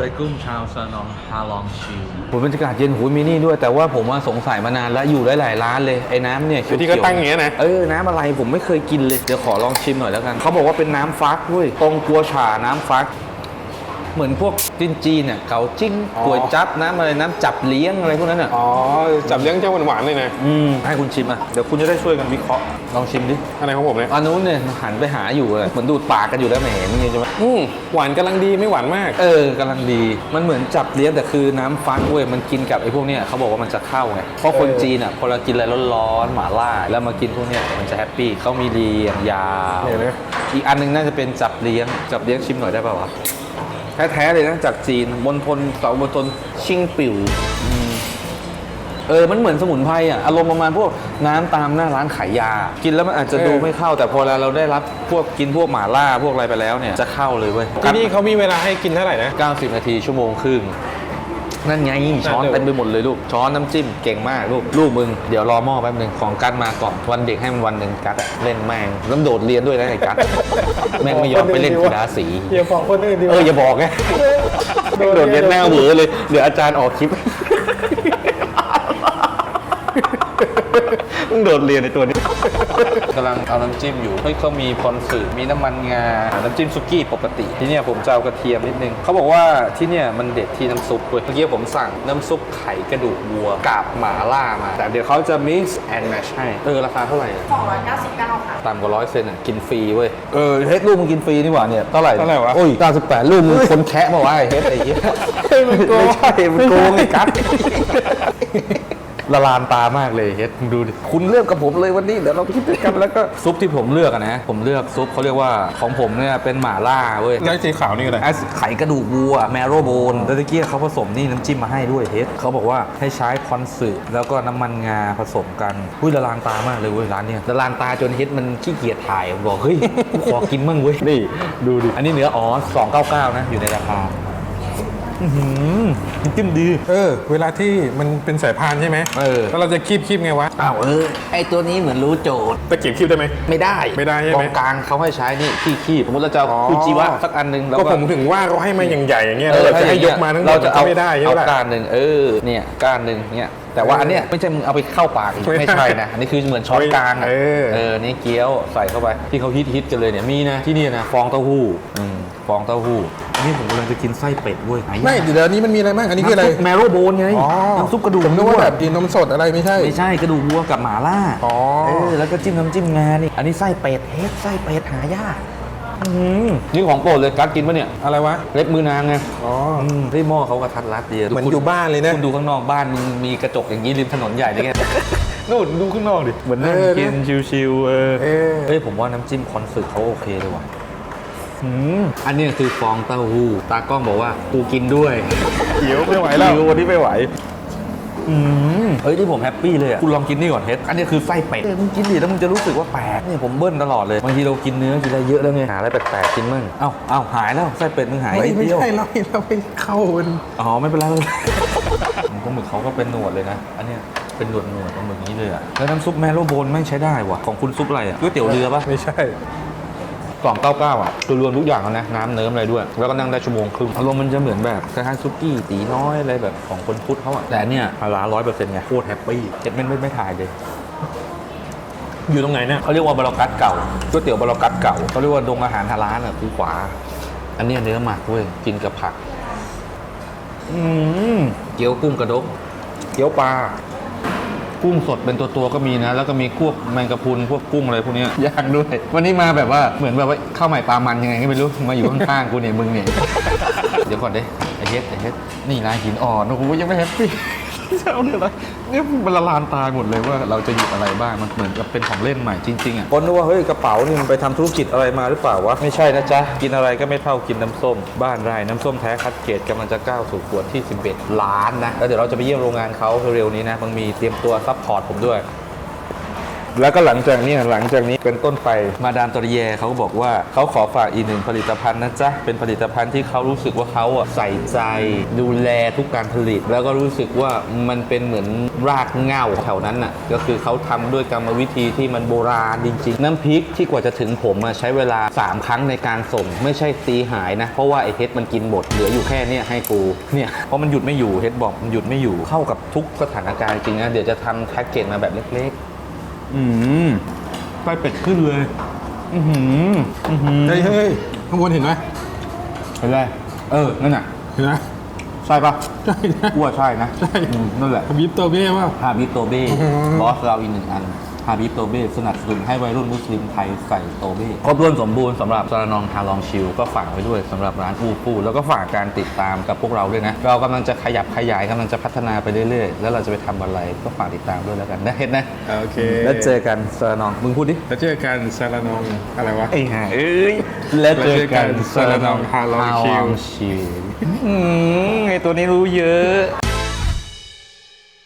เลยกุ้มชาวซานองฮาลองชิวบรรยากาศเย็นหูมีนี่ด้วยแต่ว่าผมว่าสงสัยมานานแล้วอยู่ได้หลายร้านเลยไอ้น้ำเนี่ยที่ก็ตั้งอย่างเงี้ยนะน้ำอะไรผมไม่เคยกินเลยเดี๋ยวขอลองชิมหน่อยแล้วกันเขาบอกว่าเป็นน้ำฟักด้วยตรงกัวฉ่าน้ำฟักเหมือนพวกจีนเนี่ยเกาจิ้งก๋วยจั๊บน้ำอะไรน้ำจับเลี้ยงอะไรพวกนั้นอ่ะจับเลี้ยงเจ้าหวานๆเลยนะให้คุณชิมอ่ะเดี๋ยวคุณจะได้ช่วยกันวิเคราะห์ลองชิมดิอะไรของผมเนี่ยอันนู้นเนี่ยหันไปหาอยู่เลยเหมือนดูดปากกันอยู่แล้วไม่เห็นนี่ใช่ไหมหวานกำลังดีไม่หวานมากกำลังดีมันเหมือนจับเลี้ยงแต่คือน้ำฟักเว้ยมันกินกับไอ้พวกเนี้ยเขาบอกว่ามันจะเข้าไงเพราะคนจีนอ่ะพอเรากินอะไรร้อนๆหม่าล่าแล้วมากินพวกเนี้ยมันจะแฮปปี้เขามีเรียงยาวอีกอันนึงน่าจะเป็นจับเลี้ยงชิมหน่อยได้ป่าววะแท้ๆเลยนะจากจีนมณฑลเสามณฑลชิงปิ่วมันเหมือนสมุนไพรอ่ะอารมณ์ประมาณพวกน้ำตามหน้าร้านขายยากินแล้วมันอาจจะดูไม่เข้าแต่พอเราได้รับพวกกินพวกหม่าล่าพวกอะไรไปแล้วเนี่ยจะเข้าเลยเว้ยที่นี่เขามีเวลาให้กินเท่าไหร่นะ 90 นาทีชั่วโมงครึ่งนั่นไงช้อนเต็มไปหมดเลยลูกช้อนน้ำจิ้มเก่งมากลูกมึงเดี๋ยวรอหม้อแป๊บนึงของกัดมาก่อนวันเด็กให้มันวันหนึ่งกัดเล่นแม่งแล้วโดดเรียนด้วยนะไอ้กัดแม่งไม่ยอมไปเล่นกีฬาสีอย่าบอกคนอื่นดิอย่าบอกไงโดดเรียนหน้าเหวอเลยเดี๋ยวอาจารย์ออกคลิปมึงโดดเรียนในตัวนี้กำลังเอาน้ำจิ้มอยู่เขามีพรสึมีน้ำมันงาน้ำจิ้มซุกี้ปกติที่เนี่ยผมจะเอากระเทียมนิดนึงเขาบอกว่าที่เนี่ยมันเด็ดที่น้ำซุปเลยเมื่อกี้ผมสั่งน้ำซุปไข่กระดูกวัวกับหม่าล่ามาแต่เดี๋ยวเขาจะ mix and match ให้ราคาเท่าไหร่ 299ค่ะต่ำกว่า100 เซนกินฟรีเว้ยเฮ็ดลูกมึงกินฟรีนี่หว่าเนี่ยเท่าไหร่วะโอ้ย98ลูกมึงคนแคะมาว่าเฮ็ดไอ้เหี้ยไม่ใช่มันโกงไอ้กั๊ดละลานตามากเลยเฮ็ดดูดิคุณเลือกกับผมเลยวันนี้เดี๋ยวเราคิดกันแล้วก็ซุปที่ผมเลือกนะผมเลือกซุปเขาเรียกว่าของผมเนี่ยเป็นหม่าล่าเว้ยแล้วสีขาวนี่อะไรไข่กระดูกวัวแมโรโบนแล้วตะกี้เขาผสมนี่น้ำจิ้มมาให้ด้วยเฮ็ดเขาบอกว่าให้ใช้คอนสึแล้วก็น้ำมันงาผสมกันละลานตามากเลยเว้ยร้านเนี้ยละลานตาจนเฮ็ดมันขี้เกียจถ่ายบอกเฮ้ยกูขอกินมั่งเว้ยนี่ดูดิอันนี้เนื้อ299นะอยู่ในราคาจิ้มดีเวลาที่มันเป็นสายพานใช่ไหมแล้วเราจะคีบไงวะไอตัวนี้เหมือนรู้โจทย์ตะเกียบคีบได้ไหมไม่ได้ใช่ไหมกองกลางเขาให้ใช้นี่คีบสมมติเราจะคูจิวะสักอันนึงก็ผมถึงว่าเขาให้มาอย่างใหญ่อย่างเงี้ยเราจะให้ยกมาทั้งหมดเราจะเอาไม่ได้เอาก้านหนึ่งเนี่ยก้านหนึ่งเนี่ยแต่ว่าอันเนี้ยไม่ใช่มึงเอาไปเข้าปากไม่ใช่นะอันนี้คือเหมือนช้อนกลางนี่เกี๊ยวใส่เข้าไปที่เขาฮิตกันเลยเนี่ยมีนะที่นี่นะฟองเต้าหู้ฟองเต้าหู้อันนี้ผมกำลังจะกินไส้เป็ดเว้ยไม่เดี๋ยวนี้มันมีอะไรบ้างอันนี้คืออะไรแมโรโบนไงน้ำซุปกระดูกผมนึกว่าแบบกินนมสดอะไรไม่ใช่กระดูกวัวกับหม่าล่าแล้วก็จิ้มน้ำจิ้มงานี่อันนี้ไส้เป็ดไส้เป็ดหายากนี่ของโปรดเลยกัดกินปะเนี่ยอะไรวะเล็บมือนางไงที่หม้อเขากระทัดรัดดีเหมือนอยู่บ้านเลยนะคุณดูข้างนอกบ้านมึงมีกระจกอย่างนี้ริมถนนใหญ่เลยไงนู่นดูข้างนอกดิเหมือนนั่งกินชิวๆผมว่าน้ำจิ้มคอนสึเขาโอเคเลยว่ะอันนี้คือฟองเต้าหู้ตากล้องบอกว่ากูกินด้วยเขียวไม่ไหวแล้ววันนี้ไม่ไหวที่ผมแฮปปี้เลยคุณลองกินนี่ก่อนเฮ็ดอันนี้คือไส้เป็ดมึงกินดิแล้วมึงจะรู้สึกว่าแปลกเนี่ยผมเบิ้ลตลอดเลยบางทีเรากินเนื้อกินอะไรเยอะแล้วไงหาอะไรแปลกๆกินมั่งเอ้าหายแล้วไส้เป็ดมึงหายไม่ใช่เราไปเข้ามันไม่เป็นไรปลาหมึกเขาก็เป็นหนวดเลยนะอันนี้เป็นหนวดปลาหมึกนี้เลยแล้วน้ำซุปแมโรโบนไม่ใช้ได้ว่ะของคุณซุปอะไรก๋วยเตี๋ยวเรือปะไม่ใช่ 299คือรวมทุกอย่างแล้วนะน้ำเนิ้มอะไรด้วยแล้วก็นั่งได้ชั่วโมงครึ่งอารมณ์มันจะเหมือนแบบคล้ายๆซุกี้ตีน้อยอะไรแบบของคนพุทธเขาแต่เนี่ยร้าน100%ไงโคตรแฮปปี้เจ็ดไม่ถ่ายเลยอยู่ตรงไหนเนี่ยเขาเรียกว่าบารอกัสเก่าก๋วยเตี๋ยวบารอกัสเก่าเขาเรียกว่าดงอาหารฮาลาลคือขวาอันนี้เนื้อหมักเว้ยกินกับผักเกี๊ยวกุ้งกระดกเกี๊ยวปลากุ้งสดเป็นตัวก็มีนะแล้วก็มีพวกแมงกะพรุนพวกกุ้งอะไรพวกนี้ย่างด้วยวันนี้มาแบบว่าเหมือนแบบว่าข้าวใหม่ปลามันยังไงก็ไม่รู้มาอยู่ข้างๆกูเนี่ยมึงเนี่ยเดี๋ยวก่อนดิไอเฮ็ดนี่ลายหินอ่อนโอ้โหยังไม่แฮปปี้เจ้าเนี่ยอะไรเนี่ยมันละลานตาหมดเลยว่าเราจะหยิบอะไรบ้างมันเหมือนกับเป็นของเล่นใหม่จริงๆคนนึกว่าเฮ้ยกระเป๋านี่มันไปทำธุรกิจอะไรมาหรือเปล่าวะไม่ใช่นะจ๊ะกินอะไรก็ไม่เท่ากินน้ำส้มบ้านไร่น้ำส้มแท้คัดเกรดกำลังจะก้าวสู่ขวดที่11 ล้านนะแล้วเดี๋ยวเราจะไปเยี่ยมโรงงานเขาเร็วๆนี้นะมันมีเตรียมตัวซัพพอร์ตผมด้วยแล้วก็หลังจากนี้เป็นต้นไปมาดามตอริเยเขาก็บอกว่าเขาขอฝากอีกหนึ่งผลิตภัณฑ์นะจ๊ะเป็นผลิตภัณฑ์ที่เขารู้สึกว่าเขาใส่ใจดูแลทุกการผลิต แล้วก็รู้สึกว่ามันเป็นเหมือนรากเหง้าแถวนั้นน่ะก็คือเขาทำด้วยกรรมวิธีที่มันโบราณจริงๆน้ำพริกที่กว่าจะถึงผมใช้เวลา3ครั้งในการส่งไม่ใช่ตีหายนะเพราะว่าไอ้เฮ็ดมันกินหมดเหลืออยู่แค่เนี้ยให้กูเนี่ยเพราะมันหยุดไม่อยู่เฮ็ดบอกมันหยุดไม่อยู่เข้ากับทุกสถานการณ์จริงนะเดี๋ยวจะทำแพ็กเกจมาแบบเล็กๆไส้เป็ดขึ้นเลยเฮ้ยข้างบนเห็นไหมเห็นไรนั่นน่ะเห็นไหมใช่ปะใช่นะอ้วใช่นะใช่นั่นแหละบิบโตเบ้ว่าฮาบิบโตเบ้บอสเราอีกหนึ่งอันฮาบิบโตเบ้สนับสนุนให้วัยรุ่นมุสลิมไทยใส่โตเบ้ครบถ้วนสมบูรณ์สำหรับซาลานองฮาลองชิลก็ฝากไว้ด้วยสำหรับร้านอูฟูแล้วก็ฝากการติดตามกับพวกเราด้วยนะเรากำลังจะขยับขยายกำลังจะพัฒนาไปเรื่อยๆแล้วเราจะไปทำอะไรก็ฝากติดตามด้วยแล้วกันนะเห็นนะโอเคแล้วเจอกันซาลานองมึงพูดดิแล้วเจอกันซาลานองอะไรวะไอ้ห่าแล้วเจอกันซาลานองฮาลองชิลไอตัวนี้รู้เยอะ